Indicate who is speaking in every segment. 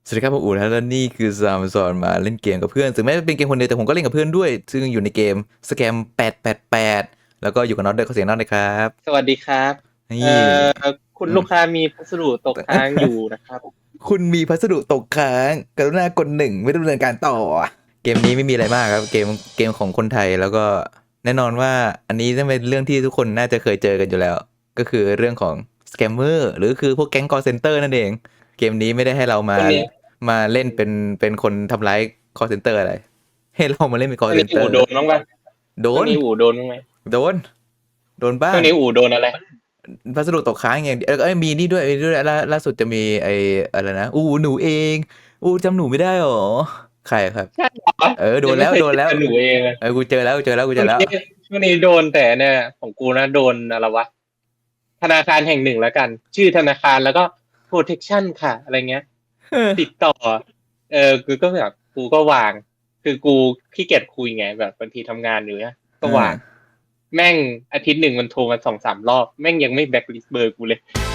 Speaker 1: สวัสดีครับผมอู๋นะและนี่คือซามสอนมาเล่นเกมกับเพื่อนถึงแม้จะเป็นเกมคนเดียวแต่ผมก็เล่นกับเพื่อนด้วยซึ่งอยู่ในเกมสแกม888แล้วก็อยู่กับน็อตด้วยขอเสียงน็อตเลยครับ
Speaker 2: สวัสดีครับ
Speaker 1: นี่
Speaker 2: เอ่คุณลูกค้ามีพัสดุตกค้างอยู่นะครับ
Speaker 1: คุณมีพัสดุตกค้างกรุณากด1ไม่ดำเนินการต่อเกมนี้ไม่มีอะไรมากครับเกมของคนไทยแล้วก็แน่นอนว่าอันนี้ต้องเป็นเรื่องที่ทุกคนน่าจะเคยเจอกันอยู่แล้ว ก็คือเรื่องของสแกมเมอร์หรือคือพวกแก๊งคอลเซ็นเตอร์นั่นเองเกมนี้ไม่ได้ให้เรามา
Speaker 2: วันนี้
Speaker 1: มาเล่นเป็นคนทำร้ายคอลเซ็นเตอร์อะไรให้เรามาเล่นเป็นคอล
Speaker 2: วัน
Speaker 1: เซ็
Speaker 2: นี้อู่
Speaker 1: นเตอร์
Speaker 2: โดนบ้างปะ
Speaker 1: โดน
Speaker 2: ช่วงนี้อู่โดนบ้างไหม
Speaker 1: โดนโดนบ้าง
Speaker 2: ช่วงนี้อู่โดนอะไร
Speaker 1: พัสดุตกค้างอย่างเดียวมีนี่ด้วยมีด้วยล่าสุดจะมีไอ้อะไรนะหนูเองจำหนูไม่ได้หรอใครครับ
Speaker 2: ใช่เหรอ
Speaker 1: โดน
Speaker 2: ยังไม่เคย
Speaker 1: แล้วโดนแล้ว
Speaker 2: เจอหนูเองเลย
Speaker 1: กูเจอแล้วกูเจอแล้ว
Speaker 2: ช่วงนี้โดนแต่เนี่ยของกูนะโดนอะไรวะธนาคารแห่งหนึ่งแล้วกัน ชื่อธนาคารแล้วก็ protection ค่ะอะไรเงี้ยติดต่อกูก็แบบกูก็วางคือกูขี้เกียจคุยไงแบบบางทีทำงานอยู่เนี่ยก็วาง แม่งอาทิตย์หนึ่งมันโทรมา2-3 รอบแม่งยังไม่แบ็คลิสต์เบอร์กูเลย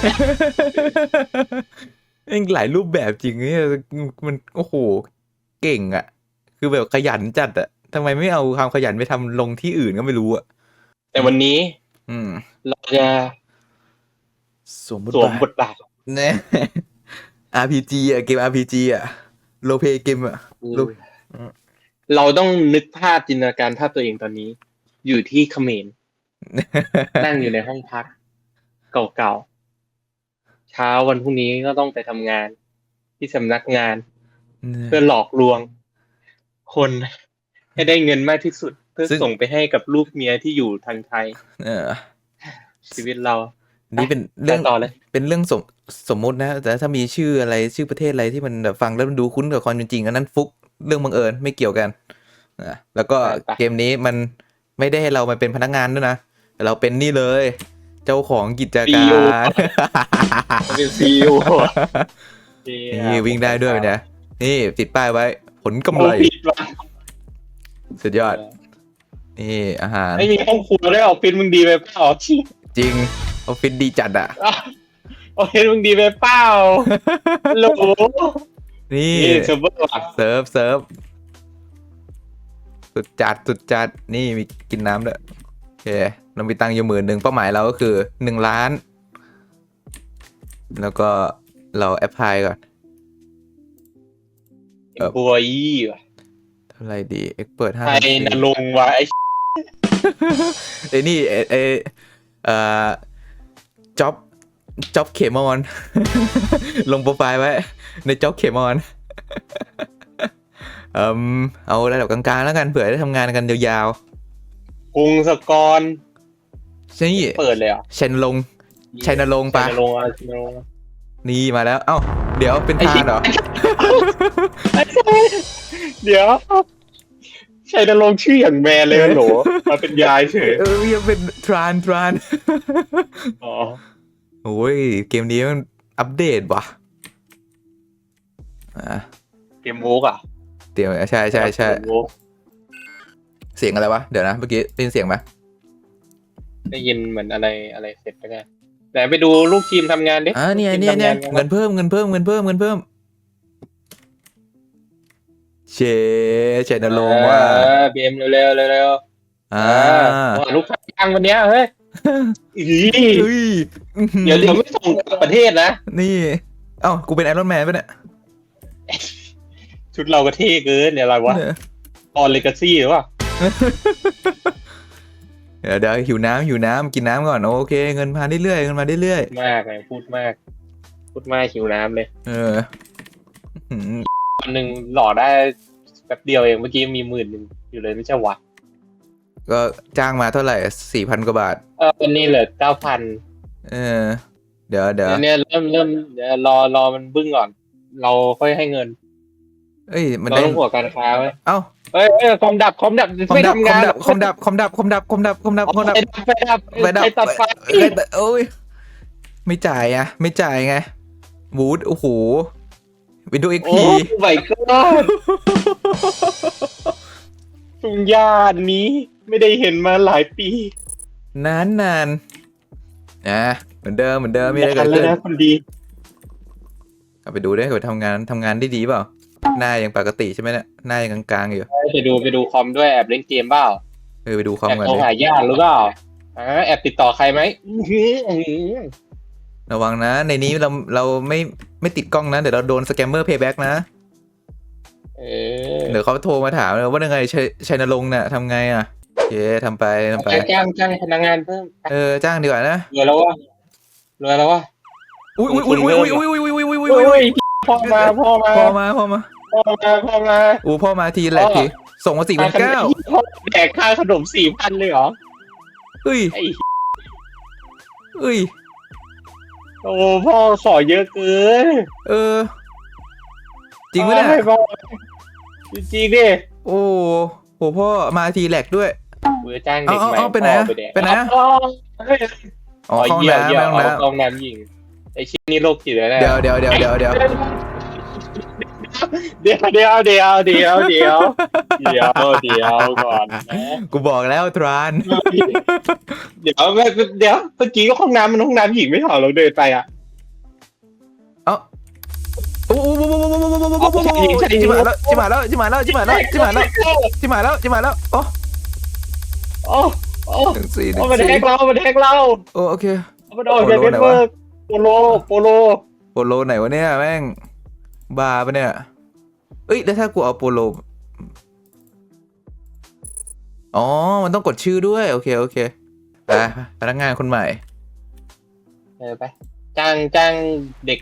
Speaker 1: เองหลายรูปแบบจริงเนี่ยมันโอ้โหเก่งอ่ะคือแบบขยันจัดอ่ะทำไมไม่เอาความขยันไปทำลงที่อื่นก็ไม่รู้อ่ะ
Speaker 2: แต่วันนี้
Speaker 1: อืม
Speaker 2: เราจะ
Speaker 1: สวมบท
Speaker 2: สวม
Speaker 1: บาท
Speaker 2: บทบาท
Speaker 1: เนี่ย RPG อ่ะเกม RPG อ่ะโลเพเกมอ่ะโล
Speaker 2: เราต้องนึกภาพจินตนาการภาพตัวเองตอนนี้ อยู่ที่เขมรนั่งอยู่ในห้องพัก เก่าๆเช้าวันพรุ่งนี้ก็ต้องไปทำงาน ที่สำนักงาน เพื่อหลอกลวง คนให้ได้เงินมากที่สุด เพื่อส่งไปให้กับลูกเมียที่อยู่ทางไทย
Speaker 1: เออ
Speaker 2: ชีวิตเรา
Speaker 1: นี่เป็นเรื่อง
Speaker 2: ต่อเลย
Speaker 1: เป็นเรื่องสมมุตินะแต่ถ้ามีชื่ออะไรชื่อประเทศอะไรที่มันแบบฟังแล้วมันดูคุ้นกับความเป็นจริงอันนั้นฟุกเรื่องบังเอิญไม่เกี่ยวกันแล้วก็เกมนี้มันไม่ได้ให้เรามาเป็นพนักงานด้วยนะแต่เราเป็นนี่เลย เจ้าของกิจการ
Speaker 2: เป็นซีอีโอ
Speaker 1: นี่วิ่งได้ด้วยนะนี่ติดป้ายไว้ ผลกำไร
Speaker 2: ผิดว่ะ
Speaker 1: สุดยอดนี่อาหาร
Speaker 2: ไม่มีห้องครัวด้วยออฟฟิศมึงดีไปเปล่า
Speaker 1: จริงออฟฟิศดีจัดอ่ะ
Speaker 2: ออฟฟิศมึงดีไปเปล่าโหล
Speaker 1: นี่
Speaker 2: นี่เซิร์ฟเวอร์ว่ะ
Speaker 1: เซิร์ฟสุดจัดนี่มีกินน้ำด้วยโอเคเรามีตังค์อยู่10,000เป้าหมายเราก็คือ1,000,000แล้วก็เราแอปพลายก่อน
Speaker 2: บัวยี่ว่ะ
Speaker 1: เท่าไหร่ดีเอ็กเปิด5
Speaker 2: ไทยนรงค์ว่ะไอ้
Speaker 1: ไอ้นี่เอ่อจ็อบเคมอน ลงโปรไฟล์ไว้ในจ็อบเคมอน เอาระดับกลางๆแล้วกันเผื่อได้ทำงานกันยาว
Speaker 2: กรุงสกร
Speaker 1: ๆใช่นี่
Speaker 2: เปิดเลยเหรอ
Speaker 1: ชัยนรงค์ปะ
Speaker 2: ชัยนรงค์อะไรชัยนรงค์
Speaker 1: นี่มาแล้วเอ้าเดี๋ยวเป็นทานเหรอ
Speaker 2: เดี๋ยวชัยนรงค์ชื่ออย่างแมนเลยโหลมาเป็นยายเฉย
Speaker 1: ยังเป็นทราน
Speaker 2: อ๋อ
Speaker 1: โอ้ยเกมนี้มันอัปเดตว่ะ
Speaker 2: เกมโวกอ่ะ
Speaker 1: เดี๋ยวใช่เสียงอะไรวะเดี๋ยวนะเมื่อกี้ได้ยินเสียงไหม
Speaker 2: ได้ยินเหมือนอะไรเสร็จไปแล้วแต่ไปดูลูกทีมทำงานดิ
Speaker 1: เนี่ยเงินเพิ่มเชนลงว่า
Speaker 2: เบียมเร็วลูกค้ายังวันเนี้ยเฮ้ยเดี๋ยวไม่ส่งกลับประเทศนะ
Speaker 1: นี่เอ้ากูเป็นไอรอนแมนป่ะเนี่ย
Speaker 2: ชุดเราก็เท่เกินเนี่ยอะไรวะออนเลกาซี่หรือเปล่า
Speaker 1: เดี๋ยวหิวน้ำกินน้ำก่อนโอเคเงินมาเรื่อยมาก
Speaker 2: เลยพูดมากหิวน้ำเลยวันหนึ่งหล่อได้แป๊บเดียวเองเมื่อกี้มี10,000อยู่เลยไม่ใช่วะ
Speaker 1: ก็จ้างมาเท่าไหร่4,000 กว่าบาท
Speaker 2: วันนี้เหลือ9,000
Speaker 1: เดี๋ยว
Speaker 2: เนี่ยเริ่มเดี๋ยวรอมันบึ้งก่อน เราค่อยให้เงิน
Speaker 1: มัน
Speaker 2: เราต้องหัวการค้าไหม
Speaker 1: เอ้า
Speaker 2: เฮ้ยคอมดับไม่ทำงาน
Speaker 1: คอมดับ
Speaker 2: ไปตัดไฟ
Speaker 1: โอ้ยไม่จ่ายไงบูทโอ้โหวินโดว์ XP
Speaker 2: โอ้my god ทุ่งหญ้านี้ไม่ได้เห็นมาหลายปี
Speaker 1: นานเหมือนเดิมมีอะไรเกิดขึ้น
Speaker 2: คนดี
Speaker 1: เอาไปดูด้วยเขาทำงานได้ดีเปล่าหน้ายังปกติใช่ไหมเนี่ยหน้ายังกลางๆอยู่
Speaker 2: ไปดูคอมด้วยแอบเล่นเกมเปล่า
Speaker 1: ไปดูคอม
Speaker 2: แอบ
Speaker 1: กัน
Speaker 2: โทร
Speaker 1: ดิ
Speaker 2: หาญาติหรือเปล่าแอบติดต่อใครไหม
Speaker 1: ระวังนะในนี้เราไม่ติดกล้องนะเดี๋ยวเราโดนสแกมเมอร์เพย์แบ็กนะเดี๋ยวเขาโทรมาถามเลยว่ายังไงชัยนรงค์เนี่ยทำไงอ่ะโอเคทำไป
Speaker 2: จ้างพนักงานเพิ่ม
Speaker 1: จ้างดีกว่านะ
Speaker 2: รวยแล้ววะ
Speaker 1: อุ้ย
Speaker 2: พ่อมา
Speaker 1: พ่อมาทีแหละทีส่งมา4,900
Speaker 2: พ่อแดกค่าขนม4,000เลยเหรอ
Speaker 1: เฮ้ย
Speaker 2: ไอ้
Speaker 1: เฮ้ย
Speaker 2: โอ้พ่อขอเยอะเกิน
Speaker 1: จริงไหมเนี่ย
Speaker 2: จริงดิ
Speaker 1: โอ้โหพ่อมาทีแหลกด้วย
Speaker 2: เบื่อจ้างเด็กใหม่
Speaker 1: ไปไหนอ๋อห้องน้ำ
Speaker 2: ห้องน้ำหญิงไอ้ชิ้นนี้โรคจิตเลยนะ
Speaker 1: เดี๋ยว
Speaker 2: เดี๋ยวก่อน
Speaker 1: กูบอกแล้วทราน
Speaker 2: เดี๋ยวเมื่อกี้ก็ห้องน้ำมันห้องน้ำหญิงไม่ถอดเราเดินไปอ่ะ
Speaker 1: โอ้จิมาแล้วโอ้
Speaker 2: มันแทงเรา
Speaker 1: โอเค
Speaker 2: มันออกจากเน็ตเวิร์กโปโล
Speaker 1: ไหนวะเนี่ยแม่งบ้าปะเนี่ยเอ้ยแล้วถ้ากูเอาโปโลอ๋อมันต้องกดชื่อด้วยโอเคไปพนักงานคนใหม่
Speaker 2: ไปจ้างเด็ก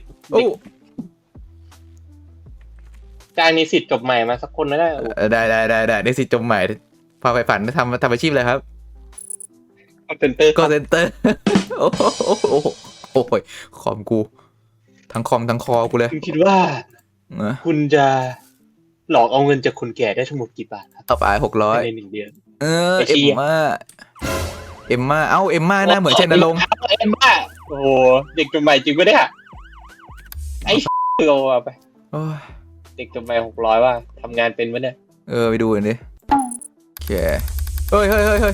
Speaker 2: จ้างนิสิตจบใหม่มาสักคนนะ
Speaker 1: ได้นิสิตจบใหม่พาไปฝันทำอาชีพอะไรครับ
Speaker 2: คอเซนเตอร์
Speaker 1: โอ้ยคอมกูทั้งคอมทั้งคอกูเลย
Speaker 2: คุณคิดว่าคุณจะหลอกเอาเงินจากคนแก่ได้ทั้งหมดกี่บาทครับ
Speaker 1: ต่อไป600
Speaker 2: ใน1 เดือน
Speaker 1: เอ็มม่าเอ็มม่าหน้าเหมือนชัยนรงค์
Speaker 2: เอ็มม่าโอ้โหเด็กจบใหม่จริงปะเนี่ยไอ้โง่ไปเด็กจบใหม่600ว่าทำงานเป็นปะเนี่ย
Speaker 1: ไปดูกันดิโอเคเฮ้ย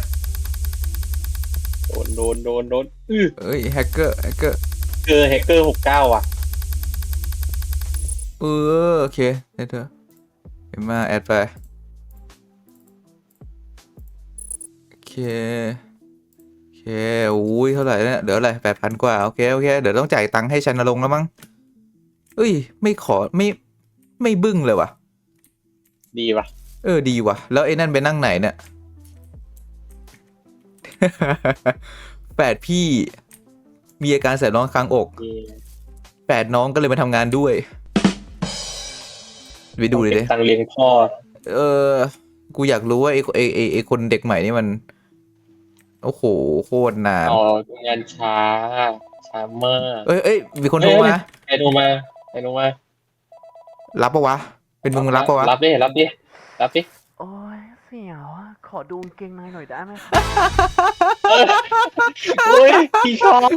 Speaker 2: โดน
Speaker 1: แฮกเกอร์
Speaker 2: แฮกเกอร์69ว่ะ
Speaker 1: โอเคได้เถอะเอ็มม่าแอดไปโอเคอุ้ยเท่าไหร่เนี่ยเดี๋ยวอะไร8,000กว่าโอเคเดี๋ยวต้องจ่ายตังค์ให้ชัยนรงค์แล้วมั้งไม่ขอไม่บึ้งเลยว่ะ
Speaker 2: ดีว่ะ
Speaker 1: ดีว่ะแล้วไอ้นั่นไปนั่งไหนเนี่ยแฝดพี่มีอาการแสบร้อนคางอกแฝดน้องก็เลยมาทำงานด้วยไปดูเลยดิ
Speaker 2: ตังเลี้ยงพ่อ
Speaker 1: กูอยากรู้ว่าไอ้คนเด็กใหม่นี่มันโอ้โหโคตรนาน
Speaker 2: งานช้ามาก
Speaker 1: มีคนโทรมา
Speaker 2: ใครโทรมา
Speaker 1: รับปะวะเป็นมึงรับปะวะ
Speaker 2: รับดิ
Speaker 3: โอ้ยเสียวอ่ะขอดูกางเกงในหน่อยได้ไหมครับ
Speaker 2: โอ้ยพี่ชอบ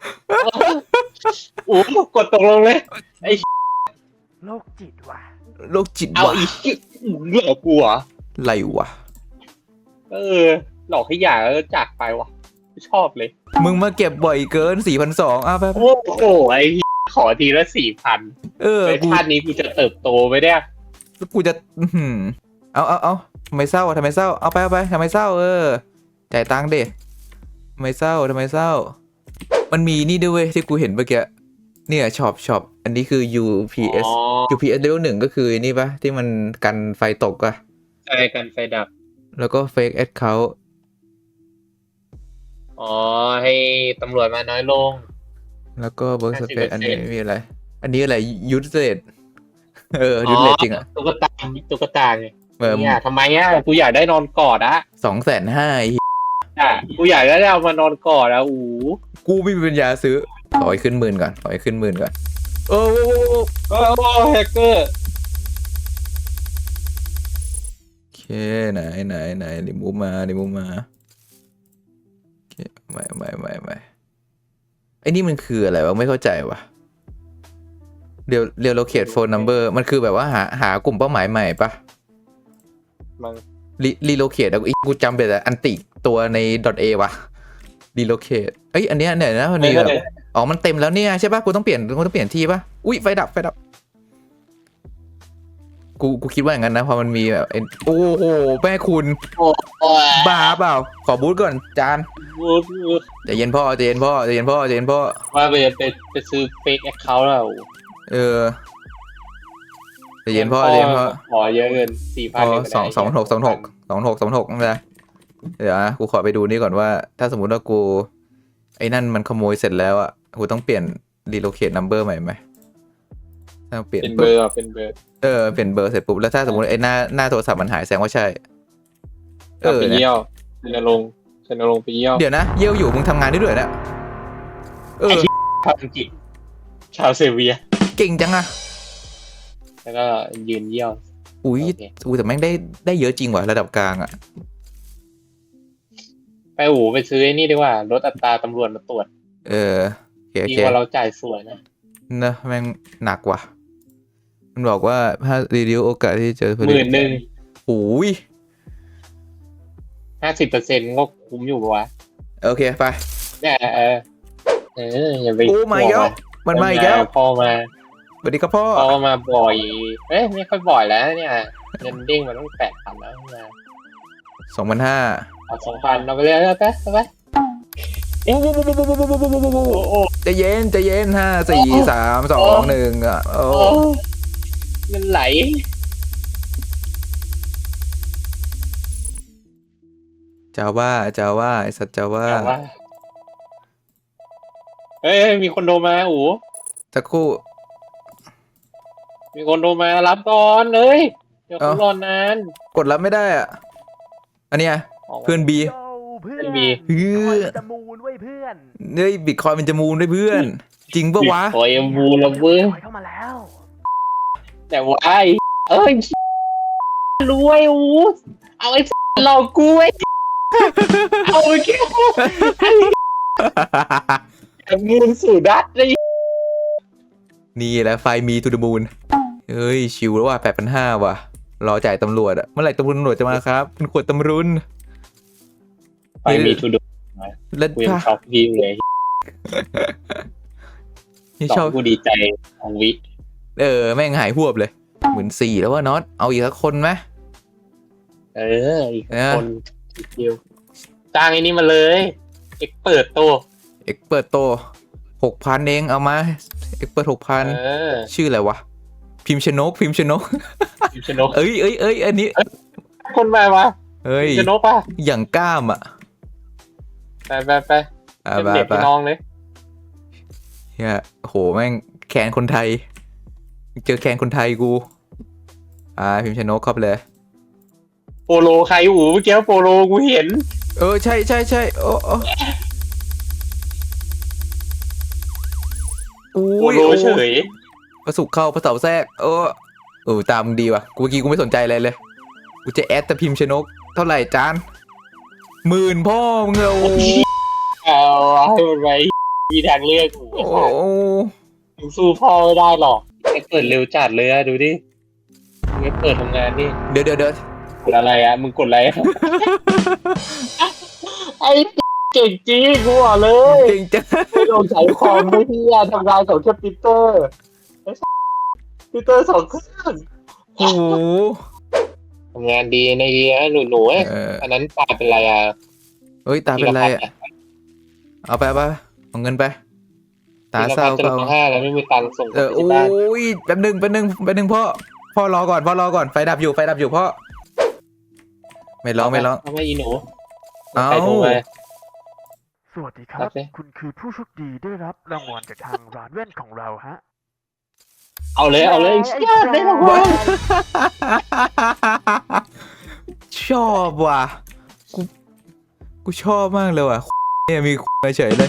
Speaker 2: โอ้กดตกลงเลยไอ้
Speaker 3: โรคจิตว่ะ
Speaker 2: เอาอีกหลอกกูเหรอ
Speaker 1: ไรวะ
Speaker 2: หลอกให้หย่าแล้วจากไปวะไม่ชอบเลย
Speaker 1: มึงมาเก็บบ่อยเกิน 4,200ไป
Speaker 2: โอ้โหไอ้ขอทีละ 4,000ไอ้ชาตินี้กูจะเติบโตไปได้
Speaker 1: กูจะเอาทำไมเศร้าเอาไปทำไมเศร้าจ่ายตังค์ดิทำไมเศร้ามันมีนี่ด้วยที่กูเห็นเมื่อกี้เนี่ยช็อปอันนี้คือ UPS level 1ก็คือนี่ปะที่มันกันไฟตกอะ
Speaker 2: ใช่กันไฟดับ
Speaker 1: แล้วก็ fake account
Speaker 2: ให้ตำรวจมาน้อยลง
Speaker 1: แล้วก็เบิร์กสเปซอันนี้มีอะไรยูทเลดยูทเลดจริงอะ
Speaker 2: ตุ๊กตาไงเนี่ยทำไมกูอยากได้นอนกอดอะ
Speaker 1: 250,000
Speaker 2: กูอยากได้เอามานอนกอดอะ
Speaker 1: กูไม่มีปัญญาซื้อขอให้ขึ้น10,000ก่อน
Speaker 2: แฮกเกอร์
Speaker 1: โอเคไหนดิมูฟมาโอเคไม่ไอ้นี่มันคืออะไรวะไม่เข้าใจวะเรียวโลเคทโฟนนัมเบอร์มันคือแบบว่าหากลุ่มเป้าหมายใหม่ปะรีโลเคทกูจำเป็นแต่อันติตัวใน .a วะรีโลเคทอันเนี้ยเนี่ยนะมันมีแบบมันเต็มแล้วเนี่ยใช่ปะกูต้องเปลี่ยนที่ปะอุ้ยไฟดับกูคิดว่าอย่างนั้นนะพอมันมีแบบโอ้โหแม่คุณ
Speaker 2: โอ้ย
Speaker 1: บ้าเปล่าขอบูทก่อนจานใจเย็นพ่อ
Speaker 2: ว่าไปซื้อเฟกแอคเคาท์แล้ว
Speaker 1: เออใจเย็นพ่อ
Speaker 2: ขอเยอะเกิน
Speaker 1: พอ226นั่นแหละเดี๋ยวนะกูขอไปดูนี่ก่อนว่า ถ้าสมมุติว่ากูไอ้นั่นมันขโมยเสร็จแล้วอ่ะกูต้องเปลี่ยน relocate number ใหม่ไหมถ้าเปลี่ยน
Speaker 2: เป็นเบอร์เปลี่ยนเบอร์
Speaker 1: เปลี่ยนเบอร์เสร็จปุ๊บแล้วถ้าสมมติไอ้หน้าโทรศัพท์มันหายแสดงว่าใช่
Speaker 2: ไปเยี่ยวชันลงไปเยี่ยว
Speaker 1: เดี๋ยวนะเยี่ยวอยู่มึงทำงานได้ด้วยนะ
Speaker 2: ชาวอังกฤษชาวเซเวีย
Speaker 1: เก่งจังอะ
Speaker 2: แล้วก็ยืนเยี่ยว
Speaker 1: อุ้ยแต่แม่งได้เยอะจริงว่ะระดับกลางอะ
Speaker 2: ไปซื้อไอ้นี่ดีกว่าลดอัตราตำรวจมาตรวจ
Speaker 1: โอเค
Speaker 2: ดีกว่าเราจ่ายสวยนะ
Speaker 1: นะแม่งหนักว่ะมันบอกว่าถ้ารีดิวโอกาสที่เจอ
Speaker 2: 10,000
Speaker 1: โอ้ย
Speaker 2: 50%ก็คุ้มอยู่ปะวะ
Speaker 1: โอเคไป
Speaker 2: เนี่ยอย่าไป
Speaker 1: โอ้มาอีกแล้วมันมาอีกแล้ว
Speaker 2: พ่อมา
Speaker 1: สวัสดีครับพ่อ
Speaker 2: มาบ่อยไม่ค่อยบ่อยแล้วเนี่ยเงินเด้งมันต้อง8,000แล้วมา
Speaker 1: 2,500
Speaker 2: เอา2,000เอาไปเลยเอาไป
Speaker 1: โอ้ใจเย็น5 4 3 2 1อ่ะโอ้
Speaker 2: เงินไหล
Speaker 1: จาว่าไอสัตว์จาว่า
Speaker 2: มีคนโทรมาอู๋
Speaker 1: สักครู่
Speaker 2: มีคนโทรมารับก่อนเลยเดี๋ยวคุณรอนาน
Speaker 1: กดรับไม่ได้อ่ะอันเนี้ยเพื่อนบี
Speaker 3: เพื่อน จะมูนไว้เพื่อน
Speaker 1: เฮ้ยบิตคอยมันจะมูนด้วยเพื่อน จริงปะวะ
Speaker 2: โอ้ยมูละเว้ย
Speaker 3: เข้ามาแล้ว
Speaker 2: แต่ว่ารวยอู๋เอาไอ้หลอกกูไอ้เอาไปแค่มูนสู่ดัดเลย
Speaker 1: นี่แหละไฟมีทูดมูนเฮ้ยชิวแล้วว่ะ8,500ว่ะรอจ่ายตำรวจอ่ะเมื่อไหร่ตำรวจจะมาครับคุณขวดตำรุน
Speaker 2: ไปมีทูดู
Speaker 1: แล้ว
Speaker 2: กูยังช็อกพี่เลย
Speaker 1: นี่
Speaker 2: ช
Speaker 1: ช
Speaker 2: อ
Speaker 1: อ
Speaker 2: บบ กูดีใจของวิ
Speaker 1: แม่งหายหวบเลย14,000แล้วว่าน็อตเอาอีกสักคนไหม
Speaker 2: อีกคนเดียวจ้างไอ้นี่มาเลยเอ็กเปิดโต
Speaker 1: 6,000เองเอามาเอ็กเปิด 6,000ชื่ออะไรวะพิมพ์ชนก เอ้ยอันนี้
Speaker 2: คนมาวะ
Speaker 1: เฮ้ย
Speaker 2: ชนกป่ะ
Speaker 1: อย่างกล้ามอ่ะ
Speaker 2: ไปเด็กพี่น้องเลย
Speaker 1: เฮียโหแม่งแคนคนไทยเจอแคนคนไทยกูพิมพ์ชนกเข้าไปเลย
Speaker 2: โปโลใครอู๋เมื่อกี้โปโลกูเห็น
Speaker 1: ใช่โอ้
Speaker 2: โปโลเฉย
Speaker 1: ประสุกเข้าประเสาแทรกตามดีว่ะกูเมื่อกี้กูไม่สนใจอะไรเลยกูจะแอดแต่พิมพ์ชนกเท่าไหร่จาน10,000พ่อมึง
Speaker 2: เอาให้มันไปมีทางเลือกอู๋มึงสู้พ่อไม่ได้หรอกไอ้เปิดเร็วจัดเลยอะดูดิมึงไอ้เปิดทำงานนี่
Speaker 1: เดี๋ยว
Speaker 2: กดอะไรอะมึงกดอะไรไอ้เก่งจริงกูบอกเลย
Speaker 1: เก่งจัง
Speaker 2: ไม่ลงใช้คอมไม่ที่ทำงานกับแค่ปีเตอร์2 เครื่อง
Speaker 1: โอ้โห
Speaker 2: ทำงานดีในดีนะหนูอันนั้นตาเป็นไรอ่ะ
Speaker 1: ตาเป็นไรอ่ะเอาไปเอาเงินไปตาเศร้า
Speaker 2: ก็5แล้วไม่มีตังค์ส่ง
Speaker 1: ที่บ้านแป๊บนึงพ่อรอก่อนไฟดับอยู่พ่อไม่ร้อง
Speaker 2: ทำไมอีหนู
Speaker 3: สวัสดีครับคุณคือผู้โชคดีได้รับรางวัลจากทางร้านแว่นของเราฮะ
Speaker 2: เอาเลยได้รางวัล
Speaker 1: ชอบว่ะกูชอบมากเลยว่ะเนี่ยมีมาเฉยเลย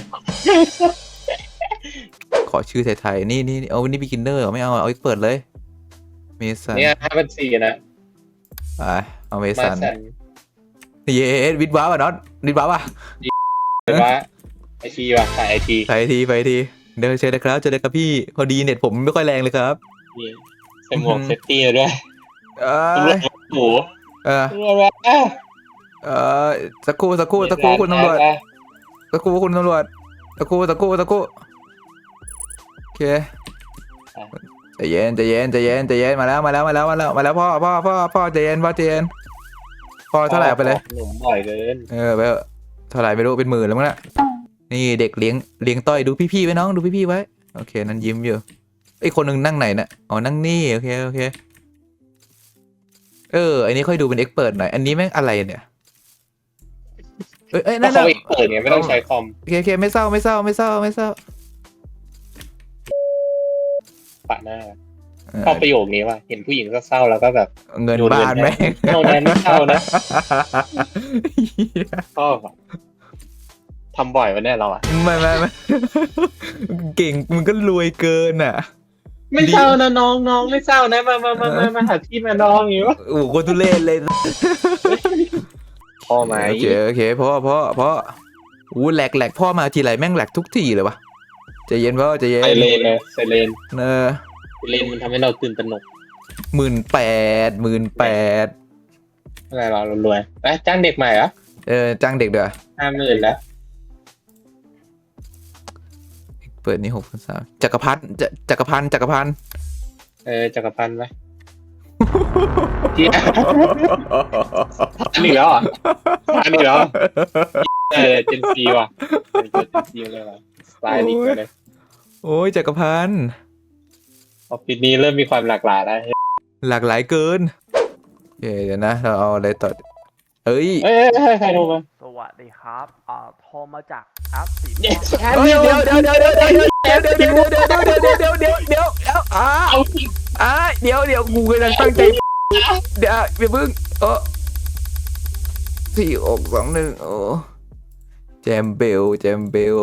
Speaker 1: ขอชื่อไทยๆนี่เอานี่บิกินเนอร์ไม่เอาอีกเปิดเลยเมสัน
Speaker 2: เนี่ย5,400นะ
Speaker 1: เอาเมสันเย้วิดว้าวอ่ะน็อตวิดว้าวอ่ะ
Speaker 2: ไอทีว่ะขายไอที
Speaker 1: เดินเชิญนะครับเจอเลยครับพี่พอดีเน็ตผมไม่ค่อยแรงเลยครับ
Speaker 2: ใส่หมวกเซฟตี้ด้วยโอ้โห
Speaker 1: สักครู่คุณตำรวจโอเคใจเย็นใจเย็นใจเย็นใจเย็นมาแล้วพ่อใจเย็นพ่อใจเย็นพ่อเท่าไหร่เอาไปเลย
Speaker 2: ขนมบ่อยเกิน
Speaker 1: ไปเถอะเท่าไหร่ไม่รู้เป็นหมื่นแล้วมั้งน่ะนี่เด็กเลี้ยงต้อยดูพี่ๆไว้น้องดูพี่ๆไว้โอเคนั่นยิ้มอยู่ไอ้คนหนึ่งนั่งไหนน่ะอ๋อนั่งนี่โอเคอันนี้ค่อยดูเป็นเอ็กเปิดหน่อยอันนี้แม่งอะไรเนี่ย
Speaker 2: ถ้า
Speaker 1: นั่น
Speaker 2: เขาไปเปิดเนี่ยไม่ต้องใช้คอม
Speaker 1: โอเคไม่เศร้า
Speaker 2: ปะหน้าชอบประโยคนี้ว่ะเห็นผู้หญิงเศร้าๆแล้วก็แบบ
Speaker 1: เงินบ้านแม่ง
Speaker 2: เท่านั้นไม่เศร้านะชอบอะทำบ่อยวันนี้เราอ่ะ
Speaker 1: ไม่เก่งมึงก็รวยเกินอ่ะ
Speaker 2: ไม่เศร้านะน้องไม่เศร้านะมาหาพี่มาน้องอย่างนี้วะ
Speaker 1: โอ้โหโคตรทุเรศเลย
Speaker 2: พอไหม
Speaker 1: โอเคพ่ออู้แหลกพ่อมาทีไรแม่งแหลกทุกทีเลยวะใจเย็นพ่อใจเย็น
Speaker 2: ไซเรนเลยไซเรน
Speaker 1: เออ
Speaker 2: ไซเรนมันทำให้เราตื่นตระหนก
Speaker 1: 18,000
Speaker 2: อะไรเรารวยไปจ้างเด็กใหม่เหรอ
Speaker 1: จ้างเด็กเด้อ
Speaker 2: 50,000แล้ว
Speaker 1: เปิดนี่6,300จักรพันธ์
Speaker 2: จักรพันธ์ไหมอันนี้แล้วอ่ะอันนี้แล้วเจนซีว่ะเจนซีเลยว่ะสไตล์นี้เลย
Speaker 1: โอ้ยจักรพันธ์
Speaker 2: ออฟฟิศนี้เริ่มมีความหลากหลายแล้ว
Speaker 1: หลากหลายเกินโอเคเดี๋ยวนะเราเอาอะไรต่อเอ้ย
Speaker 2: ใครโทรมา
Speaker 3: สวัสดีครับโทรมาจากแอปสี
Speaker 2: เดี๋ยว
Speaker 1: เดี๋ยวเดี๋ยวกูกำลังตั้งใจเดี๋ยวอย่าเพิ่ง4621แจมเบล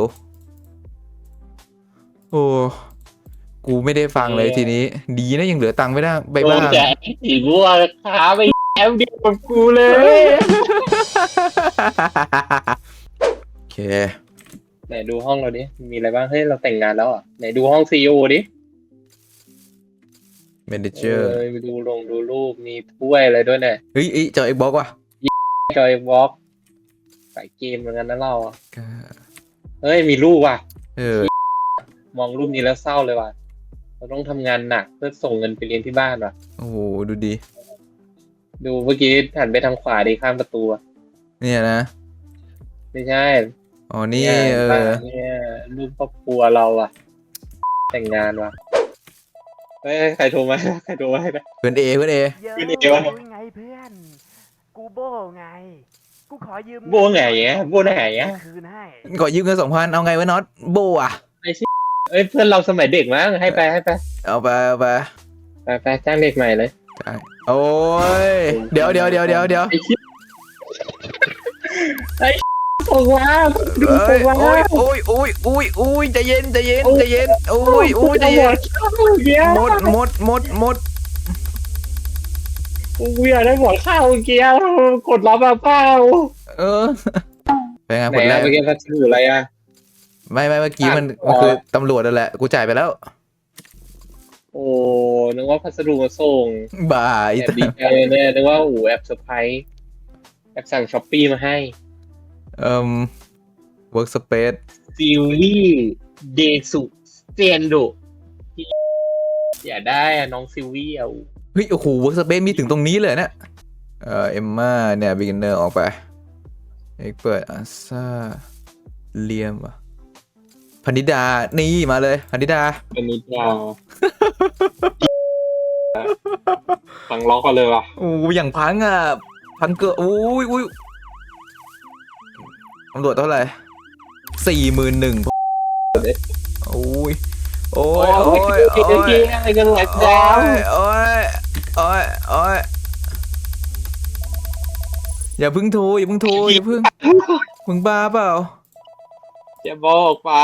Speaker 1: โอ้กูไม่ได้ฟังเลยทีนี้ดีนะยังเหลือตังค์ไม่ได้ใบ
Speaker 2: โด
Speaker 1: บ้าน
Speaker 2: แจกสีบัวขาไปแอมเดียวกับกูเลย
Speaker 1: โอเค
Speaker 2: ไหนดูห้องเราดิมีอะไรบ้างเฮ้ยเราแต่งงานแล้วอ่ะไหนดูห้องซีอีโอดิ
Speaker 1: เมนเจอร์
Speaker 2: ไปดูรูปมีถ้วยอะไรด้วยเนี่ย
Speaker 1: เฮ้ยจอ Xbox ว่ะ
Speaker 2: จอยวอล์กสายเกมเหมือนกันนะเราอ่ะเฮ้ยมีรูปว่ะมองรูปนี้แล้วเศร้าเลยว่ะเราต้องทำงานหนักเพื่อส่งเงินไปเรียนที่บ้านว่ะ
Speaker 1: โอ้โหดูดี
Speaker 2: ดูเมื่อกี้หันไปทางขวาดิข้ามประตูอะ
Speaker 1: เนี่ยนะ
Speaker 2: ไม่ใช่
Speaker 1: อ๋อนี่
Speaker 2: เนี่ยรูปครอบครัวเราอ่ะ แต่งงานว่ะเฮ้ยใครโทรมานะ
Speaker 1: เพื่อนเอ
Speaker 3: เยอะ
Speaker 2: ขึ้นเอวะ
Speaker 3: รู้ไงเพื่อน กูโบไง กูขอยืม
Speaker 2: โบไหนเงี้ยโบไหนเงี้ย
Speaker 3: คืนให้
Speaker 1: ขอยืมเงิน2,000เอาไงวะน็อตโบอ่ะ
Speaker 2: เอ้ยเพื่อนเราสมัยเด็กมั้งให้ไป
Speaker 1: เอาไป
Speaker 2: ไปจ้างเด็กใหม่เลย
Speaker 1: โอ้ยเดี๋ยว
Speaker 2: ส่งว่าดูส่งว่า
Speaker 1: โอ้ยใจเย็นโอ้ยใจเย็นหมด
Speaker 2: กูอยากได้หมดข้าวเกียวกดรับมาเปล่า
Speaker 1: เป็นไง
Speaker 2: ไห
Speaker 1: ผ
Speaker 2: น
Speaker 1: ลแร
Speaker 2: อะ
Speaker 1: ก
Speaker 2: เมื่อกี้พัสดุอะไรอะ
Speaker 1: ไม่เมื่อกี้มันคือตำรวจนั่นแหละกูจ่ายไปแล้ว
Speaker 2: โอ้นึกว่าพัสดุมาส่ง
Speaker 1: บ่า
Speaker 2: แอบดีใจเนี่ยนึกว่าแอบเซอร์ไพรส์แอบสั่งช้อปปี้มาให้
Speaker 1: work space
Speaker 2: ซิลลี่เดซุเซนโดอย่าได้อะน้องซิลวี่อะ
Speaker 1: เฮ้ยโอ้โห work space มีถึงตรงนี้เลยนะเอมม่าเนี่ย beginner ออกไปเปิดอาซาเลียมอ่ะพนิดานี่มาเลยพนิดา
Speaker 2: เป็นนิดาฟังล็อกกันเลยว่ะ
Speaker 1: โอ้อย่างพังอ่ะพังเกออุ้ยตำรวจเท่าไหร่41,000โอ้ย
Speaker 2: อะไรกันหลักดาว
Speaker 1: โอ้ยอย่าเพิ่งโทรอย่าเพิ่งมึงบ้าเปล่า
Speaker 2: จะบอกไป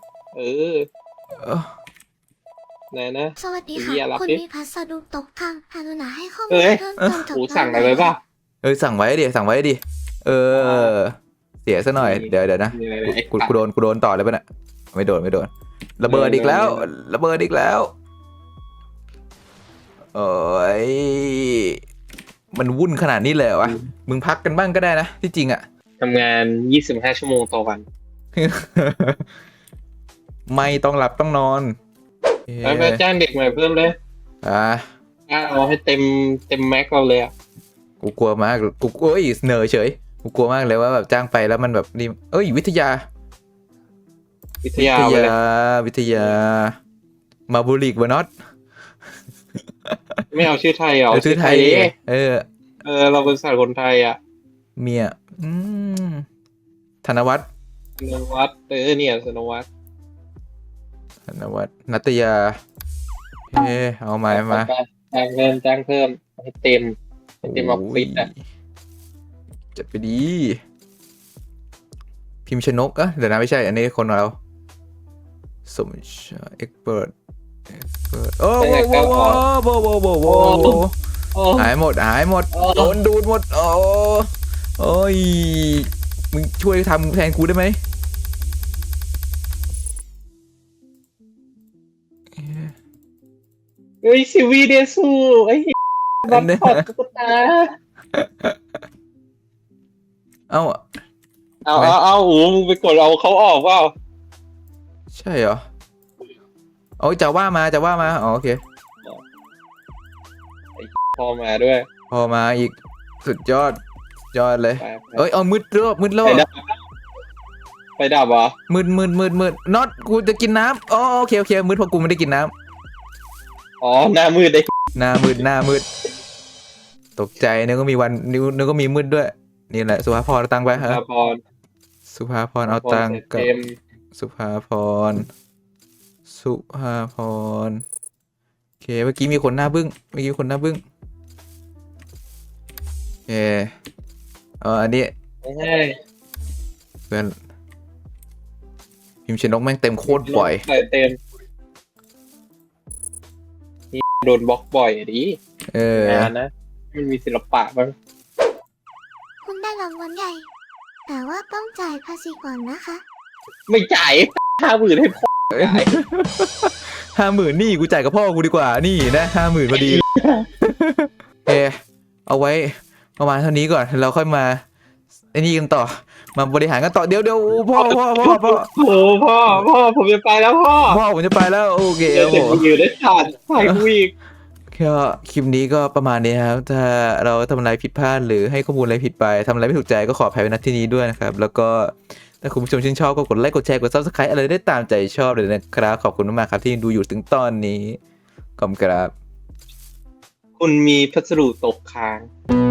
Speaker 2: ไหนนะ
Speaker 4: สวัสดีค่ะ
Speaker 2: เฮียรับ
Speaker 4: คุณ
Speaker 2: ดิ
Speaker 4: มีพัสดุตกทางกรุณาให้ข้อมู
Speaker 2: เอ้
Speaker 4: ล
Speaker 2: ย
Speaker 4: เพิ่มเติมจาก
Speaker 2: กูสั่งอะไรป่ะ
Speaker 1: สั่งไว้ดิเสียซะหน่อยเดี๋ยวนะ
Speaker 2: มีอะไร
Speaker 1: กูโดนต่อเลยป่ะเนี่ยไม่โดนระเบิดอีกแล้วโอ้ยมันวุ่นขนาดนี้เลยวะมึงพักกันบ้างก็ได้นะที่จริงอ่ะ
Speaker 2: ทำงาน25 ชั่วโมงต่อวัน
Speaker 1: ไม่ต้องหลับต้องนอน
Speaker 2: ไปจ้างเด็กใหม่เพิ่มเลย
Speaker 1: อ่ะ
Speaker 2: เอาให้เต็มแม็กเราเลยอ่ะ
Speaker 1: กูกลัวมากกูเอ้ยเหนอเฉยกูกลัวมากเลยว่าแบบจ้างไปแล้วมันแบบนี่เอ้ยวิทยา
Speaker 2: วิทยาไปเลย
Speaker 1: วิทยามาบูริกวะน็อต
Speaker 2: ไม่เอาชื่อไทยเหรอ
Speaker 1: ชื่อไทย
Speaker 2: ดิ
Speaker 1: เออ
Speaker 2: เราเป็นสัตว์คนไทยอ่ะ
Speaker 1: เมียมธนวัฒน์
Speaker 2: สนวัตเนี่ยสนวัต
Speaker 1: ธนวัฒน์นัตยาเฮ้เอามามา
Speaker 2: จ้างเพิ่มให้เต็มออฟฟิศอ่ะ
Speaker 1: จัดไปดี พิมพ์ชนกเดี๋ยวนะไม่ใช่ อันนี้คนของเราสมชายเอ็กเปิดโอ้โหหายหมดโดนดูดหมดโอ้ยมึงช่วยทำแทนกูได้ไหม
Speaker 2: เฮ้ยซิวีเดซูไอ้บัตรพอดตุ๊กตา
Speaker 1: เอ้า
Speaker 2: เอาโอ้มึงไปกดเอาเขาออกเปล่า
Speaker 1: ใช่เหรอโอ้ยจะว่ามาอ๋อโอเค
Speaker 2: พอมาด้วย
Speaker 1: พอมาอีกสุดยอดเลย
Speaker 2: ไป
Speaker 1: เอ้ยเอามืดรอบ
Speaker 2: ไปดับเหรอ
Speaker 1: มืดน็อตกูจะกินน้ำอ๋อโอเคมืดเพราะกูไม่ได้กินน้ำ
Speaker 2: อ๋อหน้ามืดเลย
Speaker 1: หน้ามืดตกใจนึกว่ามีวันนึกว่ามีมืดด้วยนี่แหละสุภาพรเอาตังค์ไปฮะ
Speaker 2: พร
Speaker 1: สุภาพรเอาตังค์กับ
Speaker 2: เต็ม
Speaker 1: สุภาพรโอเคเมื่อกี้มีคนหน้าบึ้งโอเคอันนี้
Speaker 2: ไม่ใช่
Speaker 1: เพื่อนพิมพ์ชนกแม่งเต็มโคตรบ่อย
Speaker 2: ใส่เต็มนี่โดนบล็อกบ่อยดิ งานนะมันมีศิลปะบ้าง
Speaker 4: คุณได้รางวัลใหญ่ แต่ว่าต้องจ่ายภาษีก่อนนะคะ
Speaker 2: ไม่จ่าย50,000ให้พ่อ
Speaker 1: 50,000นี่กูจ่ายกับพ่อกูดีกว่านี่นะ50,000พอดี เอาไว้ประมาณเท่านี้ก่อนเราค่อยมาไอ้นี่กันต่อมาบริหารกันต่อเดี๋ยวพ่อ
Speaker 2: โอ้พ่อผมจะไปแล้วพ่อ
Speaker 1: ผมจะไปแล้วโอเค
Speaker 2: เดี๋ยวจะอยู่ได้ขาดถ่ายกูอีก
Speaker 1: ก็คลิปนี้ก็ประมาณนี้ครับถ้าเราทำอะไรผิดพลาดหรือให้ข้อมูลอะไรผิดไปทำอะไรไม่ถูกใจก็ขออภัยไว้ณที่นี้ด้วยนะครับแล้วก็ถ้าคุณผู้ชมชื่นชอบก็กดไลค์กดแชร์กด Subscribe อะไรได้ตามใจชอบเลยนะครับขอบคุณมากๆครับที่ดูอยู่ถึงตอนนี้ขอบคุณครับ
Speaker 2: คุณมีพัสดุตกค้าง